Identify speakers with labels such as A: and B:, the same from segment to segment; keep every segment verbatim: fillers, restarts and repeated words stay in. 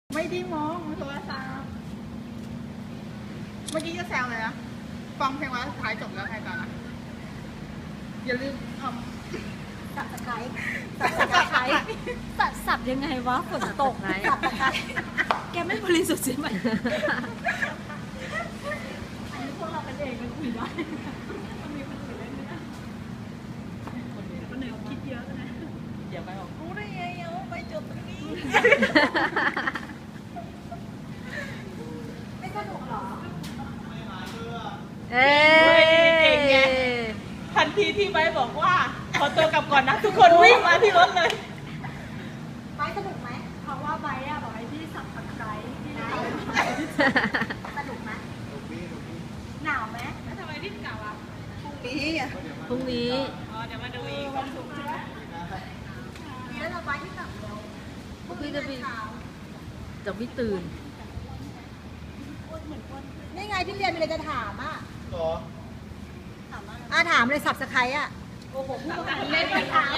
A: ไม่ได้มองโทรศัพท์เมื่อกี้จะแซวเลยนะฟังเพลงวันสุดท้ายจบแล้วไงต่อนะอย่าลืมทำสับตะไคร้สับตะไคร้
B: สับสับยังไงวะฝนตกไงสับตะไคร้แกไม่บริสุทธิ์ใช่ไหมอันนี้พวกเราเป็นเองมันคุยได้มันมีคนคุยได้ไหมนะคนเหนือคิดเยอะนะ
A: อย่าไปบอกรู้ได้ไงเอาไปจบตรงนี้
B: ไม่สนุกหรอ
A: เอ้ยเก่งไงทันทีที่ไบร์ทบอกว่าขอตัวกลับก่อนนะทุกคนวิ่งมาที่รถเลย
B: ไบร์ทสนุกไหมเพราะว่าไบร์ทอะบอกให้พี่สับตะไคร้พี่ได้สนุกไหมหนาวไหมแล้วทำไมรีบกลับอ่ะ
A: พรุ่งนี้อ่ะ
C: พรุ่งนี้
A: อ๋อเดี๋ยวมาดูอีกวันศุกร์ใช่ไหม
B: มีแล้วเราไบร์ทที่กลับเร็ว
C: พรุ่งนี้จะไปจะไม่ตื่น
B: นี่ไงที่เรียนมีอะไรจะถามอ่ะ
D: หรอ
B: ถามอ่ะถามเลยสับสไครอ่ะโอ้โหพูดเล่นไปถาม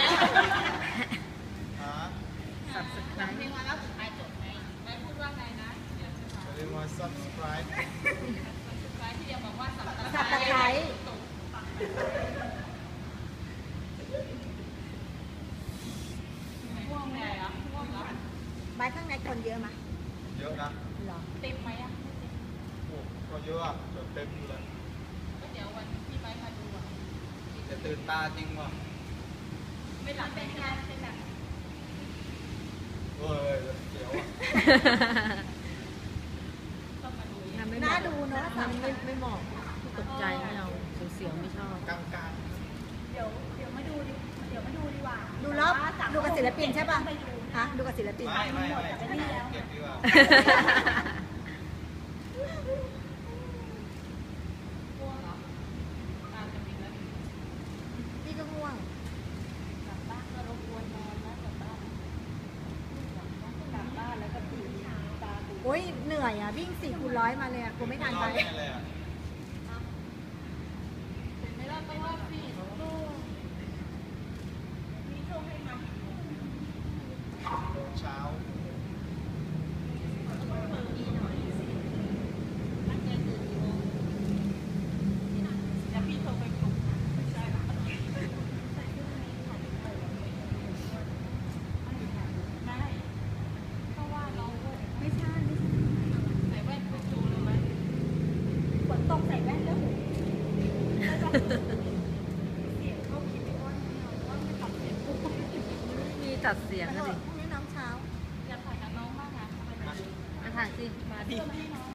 A: สับสไครต์เพลงวันแล้วสุดท้ายจบไงแม่พูดว่าไงนะ
D: อย่าลืมมา subscribe
A: ที่เดียวบอกว่าสับตะ
B: สับตะไคร้
A: ง่วงไงอ่ะง่วงเหรอ
B: ไบร์ทข้างในคนเยอะไหม
D: เยอะนะ
B: หรอ
A: เต็มไหมอ่ะ
D: โอ้ก็เยอะอ่ะเต็มอยู่เลย
A: ก็เดี๋ยววันที่ไบร์ทมาดูอ่ะ
D: จะตื่นตาจริงว่ะ
A: ไม่หลับเป็นไงเป็นแบบ
D: เฮ้ยเดี๋ยวอ่ะ
B: น่าดูเนาะ
C: มันไม่ไม่เหมาะตกใจไม่เอาเสียวๆไม่ชอบ
D: กลางกลาง
B: เดี๋ยวเดี๋ยวมาดูดิเดี๋ยวมาดูดีกว่าดูรอบดูกับศิลปินใช่ป่ะฮะดูกับศิลปิน
D: ไม่ไม่ไม่เก็บดีกว่า
B: พี่ก็ง่วง
A: กลับบ้านก็รบกวนนอนนะกลับบ้านกลับบ้านแล้วก็ตื่นตาตื่น
B: โอ้ยเหนื่อยอ่ะวิ่งสี่คูณร้อยมาเลยอ่ะกูไม่ทันไป
A: ไม่รอดต้องรอดสิมีโชคให้มา
D: เช้า
A: เดี๋ยวพี่โทรไปปลุก
B: ไม่ใช่
A: ใส่แว่นไปดูเลยไหม
B: ฝนตกใส่แว่นแล้ว
C: มีตัดเสียง
B: พ
C: กันดิ
B: รุ่งนี้น้ำเช้า
A: อยากถ่ายกับน้องบ้างอ่ะ
C: มาถ่ายสิ
A: มาดิ